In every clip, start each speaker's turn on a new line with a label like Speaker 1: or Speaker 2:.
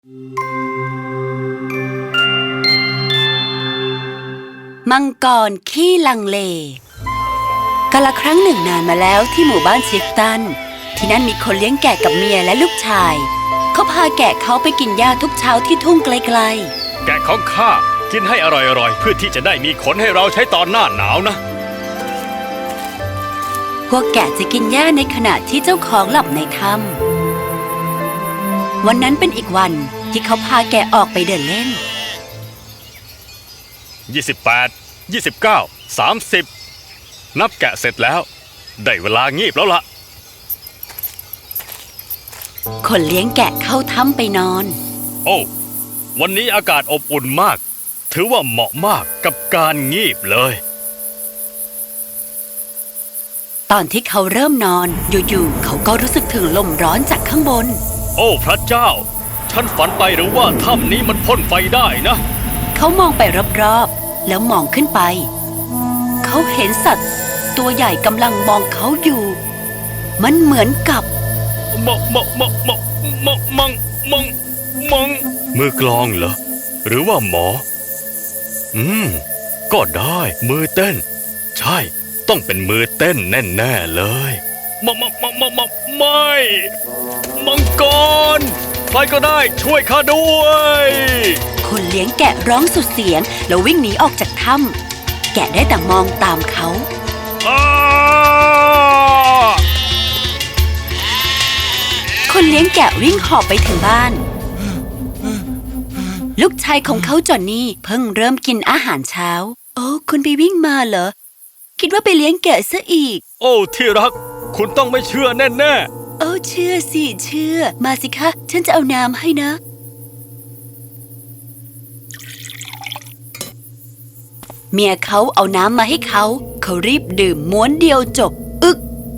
Speaker 1: มังกรขี้ลังเลกาลครั้งหนึ่งนานมาแล้วที่หมู่บ้านชิฟตันที่นั่นมีคนเลี้ยงแกะกับเมียและลูกชายเขาพาแกะเขาไปกินหญ้าทุกเช้าที่ทุ่งไกล
Speaker 2: แกะของข้ากินให้อร่อยๆเพื่อที่จะได้มีขนให้เราใช้ตอนหน้าหนาวนะ
Speaker 1: ๆพวกแกะจะกินหญ้าในขณะที่เจ้าของหลับในถ้ำวันนั้นเป็นอีกวันที่เขาพาแกะออกไปเดินเล่น
Speaker 2: 28 29 30นับแกะเสร็จแล้วได้เวลางีบแล้วล่ะ
Speaker 1: คนเลี้ยงแกะเข้าถ้ำไปนอน
Speaker 2: โอ้วันนี้อากาศอบอุ่นมากถือว่าเหมาะมากกับการงีบเลย
Speaker 1: ตอนที่เขาเริ่มนอนอยู่ๆเขาก็รู้สึกถึงลมร้อนจากข้างบน
Speaker 2: โอ้พระเจ้าฉันฝันไปหรือว่าถ้ำนี้มันพ่นไฟได้นะ
Speaker 1: เขามองไปรอบๆแล้วมองขึ้นไปเขาเห็นสัตว์ตัวใหญ่กำลังมองเขาอยู่มันเหมือนกับ
Speaker 2: มังมือกลองเหรอหรือว่าหมอก็ได้มือเต้นใช่ต้องเป็นมือเต้นแน่ๆเลยไม่มังกรใครก็ได้ช่วยข้าด้วย
Speaker 1: คนเลี้ยงแกะร้องสุดเสียงแล้ววิ่งหนีออกจากถ้ำแกะได้แต่มองตามเขาคนเลี้ยงแกะวิ่งหอบไปถึงบ้านลูกชายของเขาจอนนี่เพิ่งเริ่มกินอาหารเช้าโอ้คุณไปวิ่งมาเหรอคิดว่าไปเลี้ยงแกะซะอีก
Speaker 2: โอ้ที่รักคุณต้องไม่เชื่อแน่
Speaker 1: ๆโอ้เชื่อสิเชื่อมาสิคะฉันจะเอาน้ำให้นะเมียเขาเอาน้ำมาให้เขารีบดื่มม้วนเดียวจบอึก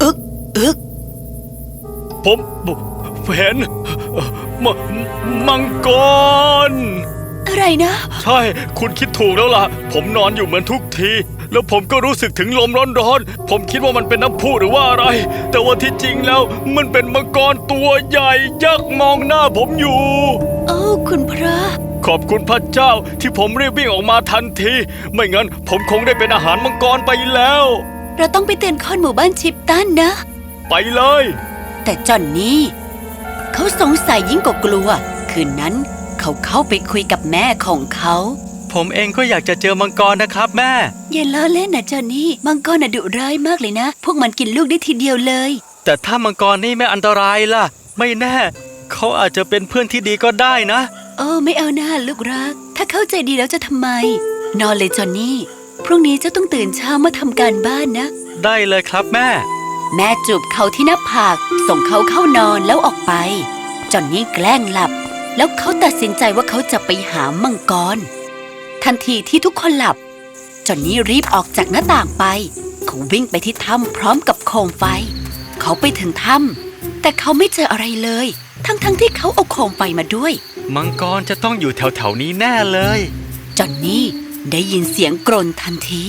Speaker 2: ผมเห็นมังกร
Speaker 1: อะไรนะ
Speaker 2: ใช่คุณคิดถูกแล้วล่ะผมนอนอยู่เหมือนทุกทีแล้วผมก็รู้สึกถึงลมร้อนๆผมคิดว่ามันเป็นน้ำพุหรือว่าอะไรแต่ว่าที่จริงแล้วมันเป็นมังกรตัวใหญ่ยักษ์มองหน้าผมอยู่
Speaker 1: โอ้คุณพระ
Speaker 2: ขอบคุณพระเจ้าที่ผมรีบวิ่งออกมาทันทีไม่งั้นผมคงได้เป็นอาหารมังกรไปแล้ว
Speaker 1: เราต้องไปเตือนคนหมู่บ้านชิปตันนะ
Speaker 2: ไปเลย
Speaker 1: แต่จอนนี่เขาสงสัยยิ่งกว่ากลัวคืนนั้นเขาเข้าไปคุยกับแม่ของเขา
Speaker 2: ผมเองก็อยากจะเจอมังกรนะครับแม่
Speaker 1: อย่าล้อเล่นนะจอนนี่มังกรน่ะดุร้ายมากเลยนะพวกมันกินลูกได้ทีเดียวเลย
Speaker 2: แต่ถ้ามังกรนี่ไม่อันตรายล่ะไม่แน่เขาอาจจะเป็นเพื่อนที่ดีก็ได้นะ
Speaker 1: โอ้ไม่เอาหน้าลูกรักถ้าเข้าใจดีแล้วจะทำไมนอนเลยจอนนี่พรุ่งนี้เจ้าต้องตื่นเช้ามาทำการบ้านนะ
Speaker 2: ได้เลยครับแม่
Speaker 1: จูบเขาที่หน้าผากส่งเขาเข้านอนแล้วออกไปจอนนี่แกล้งหลับแล้วเขาตัดสินใจว่าเขาจะไปหามังกรทันทีที่ทุกคนหลับจอนนี่รีบออกจากหน้าต่างไปเขาวิ่งไปที่ถ้ำพร้อมกับโคมไฟเขาไปถึงถ้ำแต่เขาไม่เจออะไรเลยทั้งที่เขาเอาโคมไฟมาด้วย
Speaker 2: มังกรจะต้องอยู่แถวๆนี้แน่เลย
Speaker 1: จอนนี่ได้ยินเสียงกรนทันที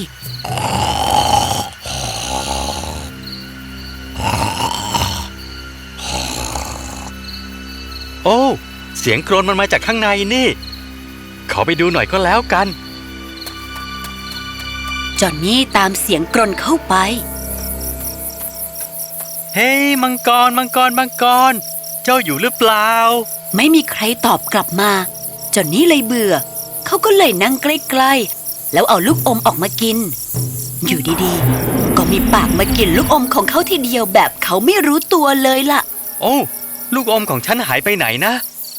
Speaker 2: โอ้เสียงกรนมันมาจากข้างในนี่ขอไปดูหน่อยก็แล้วกัน
Speaker 1: จอนนี่ตามเสียงกรนเข้าไป
Speaker 2: เฮ้ยมังกรเจ้าอยู่หรือเปล่า
Speaker 1: ไม่มีใครตอบกลับมาจอนนี่เลยเบื่อเขาก็เลยนั่งใกล้ๆแล้วเอาลูกอมออกมากินอยู่ดีๆก็มีปากมากินลูกอมของเขาทีเดียวแบบเขาไม่รู้ตัวเลยล่ะ
Speaker 2: โอ้ลูกอมของฉันหายไปไหนนะ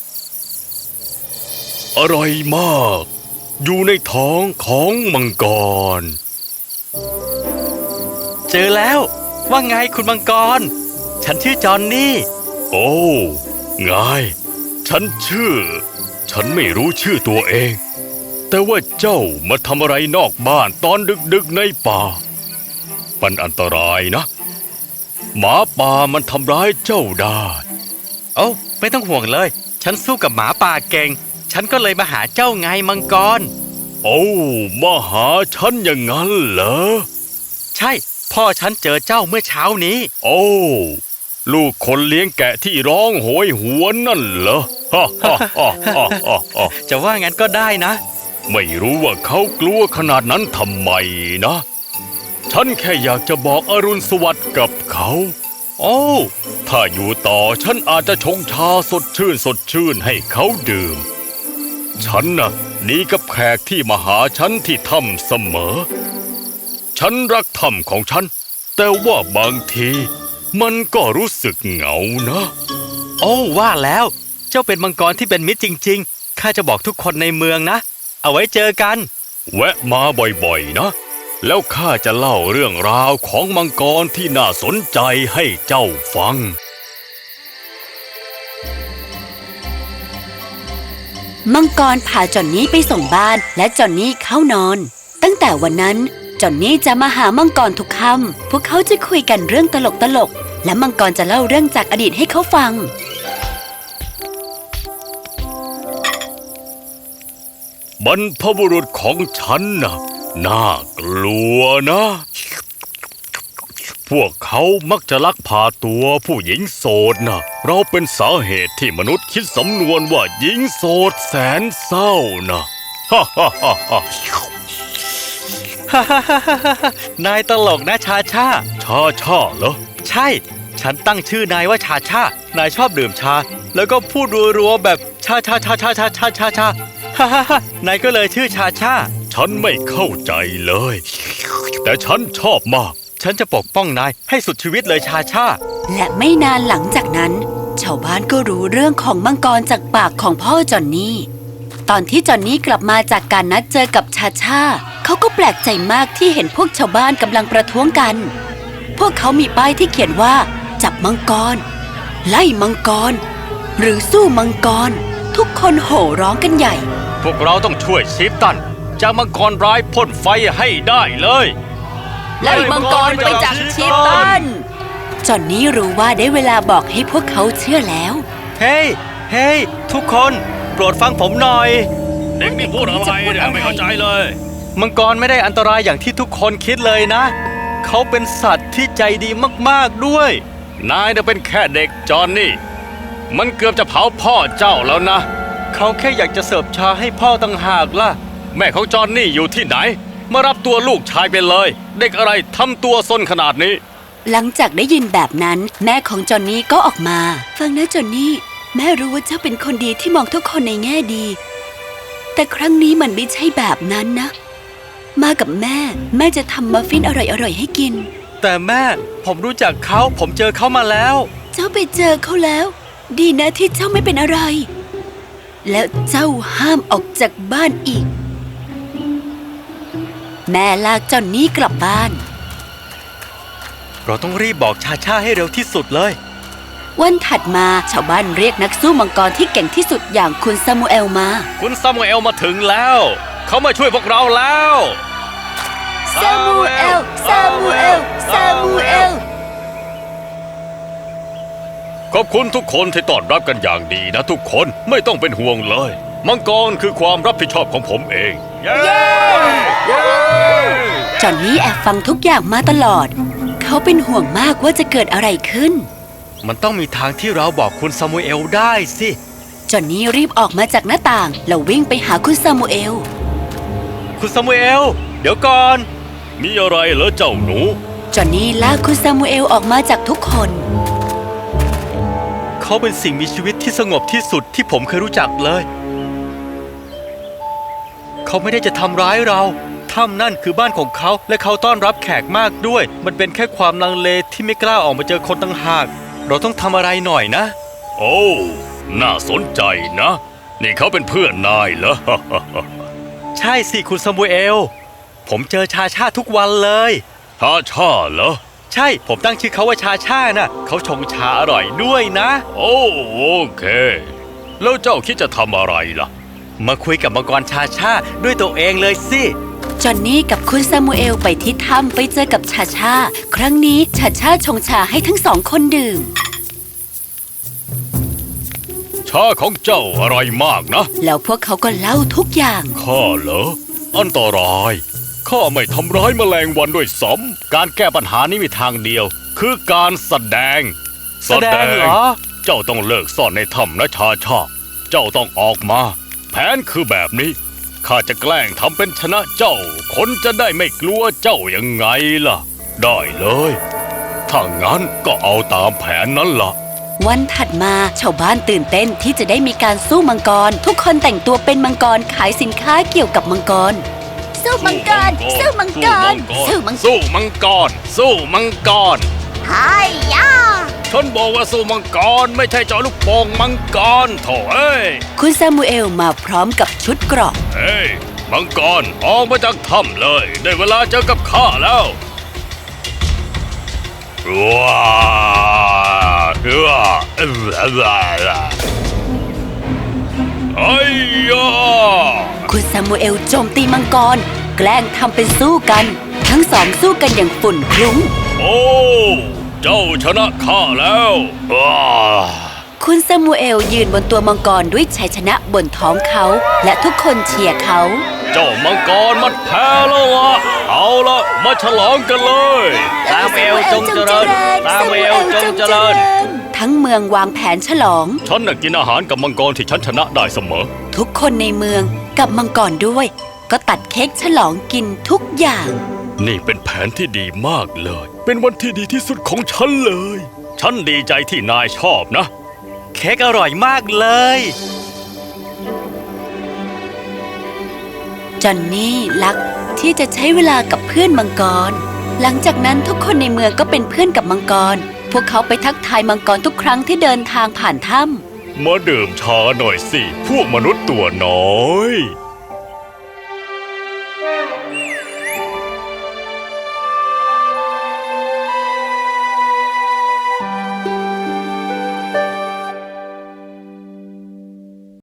Speaker 2: อร่อยมากอยู่ในท้องของมังกรเจอแล้วว่าไงคุณมังกรฉันชื่อจอนนี่โอ้ไงฉันไม่รู้ชื่อตัวเองแต่ว่าเจ้ามาทำอะไรนอกบ้านตอนดึกๆในป่ามันอันตรายนะหมาป่ามันทำร้ายเจ้าได้โอ้ไม่ต้องห่วงเลยฉันสู้กับหมาป่าเก่งฉันก็เลยมาหาเจ้าไงมังกรโอ้มาหาฉันอย่างนั้นเหรอใช่พ่อฉันเจอเจ้าเมื่อเช้านี้โอ้ลูกคนเลี้ยงแกะที่ร้องโหยหวนนั่นเหรอ
Speaker 3: จะว่างั้นก็ได้นะ
Speaker 2: ไม่รู้ว่าเขากลัวขนาดนั้นทำไมนะ ฉันแค่อยากจะบอกอรุณสวัสดิ์กับเขา โอ้ถ้าอยู่ต่อฉันอาจจะชงชาสดชื่นให้เขาดื่ม ฉันน่ะหนีกับแขกที่มาหาฉันที่ถ้ำเสมอ ฉันรักถ้ำของฉัน แต่ว่าบางทีมันก็รู้สึกเหงานะ
Speaker 3: โอ้ว่าแล้ว เจ้าเป็นมังกรที่เป็นมิตรจริงๆ ข้าจะบอกทุกคนในเมืองนะ เอาไว้เจอกัน
Speaker 2: แวะมาบ่อยๆนะ แล้วข้าจะเล่าเรื่องราวของมังกรที่น่าสนใจให้เจ้าฟัง
Speaker 1: มังกรพาจอนนี่ไปส่งบ้านและจอนนี่เข้านอน ตั้งแต่วันนั้นจอนนี่จะมาหามังกรทุกค่ำพวกเขาจะคุยกันเรื่องตลกและมังกรจะเล่าเรื่องจากอดีตให้เขาฟัง
Speaker 2: บรรพบุรุษของฉันน่ะน่ากลัวนะ พวกเขามักจะลักพาตัวผู้หญิงโสดนะเราเป็นสาเหตุที่มนุษย์คิดสำนวนว่าหญิงโสดแสนเศร้านะฮ่าฮ่าฮ่าฮ่า
Speaker 3: นายตลกนะชาชา
Speaker 2: ชาเหรอ
Speaker 3: ใช่ ฉันตั้งชื่อนายว่าชาชานายชอบดื่มชา แล้วก็พูดรัวๆแบบชาฮ่าฮ่าฮ่านายก็เลยชื่อชาชา
Speaker 2: ฉันไม่เข้าใจเลย แต่ฉันชอบมาก
Speaker 3: ฉันจะปกป้องนายให้สุดชีวิตเลยชาชา
Speaker 1: และไม่นานหลังจากนั้น ชาวบ้านก็รู้เรื่องของมังกรจากปากของพ่อจอนนี่ ตอนที่จอนนี่กลับมาจากการนัดเจอกับชาชาเขาก็แปลกใจมากที่เห็นพวกชาวบ้านกำลังประท้วงกัน พวกเขามีป้ายที่เขียนว่าจับมังกรไล่มังกรหรือสู้มังกรทุกคนโห่ร้องกันใหญ่
Speaker 2: พวกเราต้องช่วยชีฟตันจากมังกรร้ายพ่นไฟให้ได้เลย
Speaker 1: ไล่มังกรไปจากชีตันจอนนี่รู้ว่าได้เวลาบอกให้พวกเขาเชื่อแล้ว
Speaker 3: เฮ้ยทุกคนโปรดฟังผมหน่อย
Speaker 2: เด็กนี่พูดอะไรเนี่ยไม่เข้าใจเลย
Speaker 3: มังกรไม่ได้อันตรายอย่างที่ทุกคนคิดเลยนะ เขาเป็นสัตว์ที่ใจดีมากๆด้วย
Speaker 2: นายน่ะเป็นแค่เด็กจอนนี่ มันเกือบจะเผาพ่อเจ้าแล้วนะ
Speaker 3: เขาแค่อยากจะเสิร์ฟชาให้พ่อต่างหากล่ะ
Speaker 2: แม่ของจอนนี่อยู่ที่ไหน มารับตัวลูกชายไปเลย เด็กอะไรทำตัวซนขนาดนี้
Speaker 1: หลังจากได้ยินแบบนั้นแม่ของจอนนี่ก็ออกมาฟังนะจอนนี่แม่รู้ว่าเจ้าเป็นคนดีที่มองทุกคนในแง่ดี แต่ครั้งนี้มันไม่ใช่แบบนั้นนะ มากับแม่จะทำมัฟฟินอร่อยๆให้กิน
Speaker 3: แต่แม่ผมรู้จักเขาผมเจอเขามาแล้ว
Speaker 1: เจ้าไปเจอเขาแล้ว ดีนะที่เจ้าไม่เป็นอะไร แล้วเจ้าห้ามออกจากบ้านอีก แม่ลากจอนนี่กลับบ้าน
Speaker 3: เราต้องรีบบอกชาชาให้เร็วที่สุดเลย
Speaker 1: วันถัดมาชาวบ้านเรียกนักสู้มังกรที่เก่งที่สุดอย่างคุณซามูเอลมา
Speaker 2: คุณซามูเอลมาถึงแล้ว เขามาช่วยพวกเราแล้ว
Speaker 1: ซามูเอล ซามูเอล ซามูเอล
Speaker 2: ขอบคุณทุกคนที่ต้อนรับกันอย่างดีนะทุกคนไม่ต้องเป็นห่วงเลย มังกรคือความรับผิดชอบของผมเอง เย้
Speaker 1: จอนนี่แอบฟังทุกอย่างมาตลอด เขาเป็นห่วงมากว่าจะเกิดอะไรขึ้น
Speaker 3: มันต้องมีทางที่เราบอกคุณซามูเอลได้สิ
Speaker 1: จอนนี่รีบออกมาจากหน้าต่างแล้ววิ่งไปหาคุณซามูเอล
Speaker 3: คุณซามูเอลเดี๋ยวก่อน
Speaker 2: มีอะไรเหรอเจ้าหนู
Speaker 1: จอนนี่ลากคุณซามูเอลออกมาจากทุกคน
Speaker 3: เขาเป็นสิ่งมีชีวิตที่สงบที่สุดที่ผมเคยรู้จักเลย เขาไม่ได้จะทำร้ายเราถ้ำนั่นคือบ้านของเขาและเขาต้อนรับแขกมากด้วย มันเป็นแค่ความลังเลที่ไม่กล้าออกมาเจอคนต่างหาก เราต้องทำอะไรหน่อยนะ
Speaker 2: โอ้น่าสนใจนะ นี่เขาเป็นเพื่อนนายเหรอ
Speaker 3: ใช่สิคุณซามูเอล ผมเจอชาชาทุกวันเลย
Speaker 2: ชาเหรอ
Speaker 3: ใช่ผมตั้งชื่อเขาว่าชาชาน่ะเขาชงชาอร่อยด้วยนะ
Speaker 2: โอเค แล้วเจ้าคิดจะทำอะไรล่ะ
Speaker 3: มาคุยกับมังกรชาชาด้วยตัวเองเลยสิ
Speaker 1: จอนนี่กับคุณซามูเอลไปที่ถ้ำไปเจอกับชาชาครั้งนี้ชาชาชงชาให้ทั้งสองคนดื่ม
Speaker 2: ชาของเจ้าอร่อยมากนะ
Speaker 1: แล้วพวกเขาก็เล่าทุกอย่าง
Speaker 2: ข้าเหรอ อันตรายข้าไม่ทำร้ายแมลงวันด้วยซ้ำการแก้ปัญหานี้มีทางเดียว คือการแสดง
Speaker 3: แสดงเหรอ
Speaker 2: เจ้าต้องเลิกซ่อนในถ้ำนะชาชา เจ้าต้องออกมา แผนคือแบบนี้ ข้าจะแกล้งทำเป็นชนะเจ้า คนจะได้ไม่กลัวเจ้ายังไงล่ะ ได้เลย ถ้างั้นก็เอาตามแผนนั้นล่ะ
Speaker 1: วันถัดมาชาวบ้านตื่นเต้นที่จะได้มีการสู้มังกร ทุกคนแต่งตัวเป็นมังกรขายสินค้าเกี่ยวกับมังกร สู้มังกร สู้มังกร สู้มังกร
Speaker 2: สู้มังกร สู้มังกร
Speaker 1: ไฮยา
Speaker 2: ฉันบอกว่าสู้มังกรไม่ใช่เจาะลูกโป่งมังกรโถ่เอ้ย
Speaker 1: คุณซามูเอลมาพร้อมกับชุดเกราะ
Speaker 2: เฮ้ยมังกรออกมาจากถ้ำเลย ได้เวลาเจอกับข้าแล้วว้าไอ้ยา
Speaker 1: คุณซามูเอลโจมตีมังกร แกล้งทำเป็นสู้กัน ทั้งสองสู้กันอย่างฝุ่นคลุ้ง
Speaker 2: โอ้เจ้าชนะข้าแล้วว้า
Speaker 1: คุณซามูเอลยืนบนตัวมังกรด้วยชัยชนะบนท้องเขา และทุกคนเชียร์เขา
Speaker 2: เจ้ามังกรมันแพ้แล้วล่ะเอาละมาฉลองกันเลย
Speaker 3: ซามูเอลจงเจริญ ซามูเอลจงเจริญ
Speaker 1: ทั้งเมืองวางแผนฉลอง
Speaker 2: ฉันน่ะกินอาหารกับมังกรที่ฉันชนะได้เสมอ
Speaker 1: ทุกคนในเมืองกับมังกรด้วย ก็ตัดเค้กฉลองกินทุกอย่าง
Speaker 2: นี่เป็นแผนที่ดีมากเลย เป็นวันที่ดีที่สุดของฉันเลย ฉันดีใจที่นายชอบนะ
Speaker 3: เค้กอร่อยมากเลย
Speaker 1: จอนนี่รักที่จะใช้เวลากับเพื่อนมังกร หลังจากนั้นทุกคนในเมืองก็เป็นเพื่อนกับมังกร พวกเขาไปทักทายมังกรทุกครั้งที่เดินทางผ่านถ้ำ
Speaker 2: มาดื่มชาหน่อยสิ พวกมนุษย์ตัวน้อย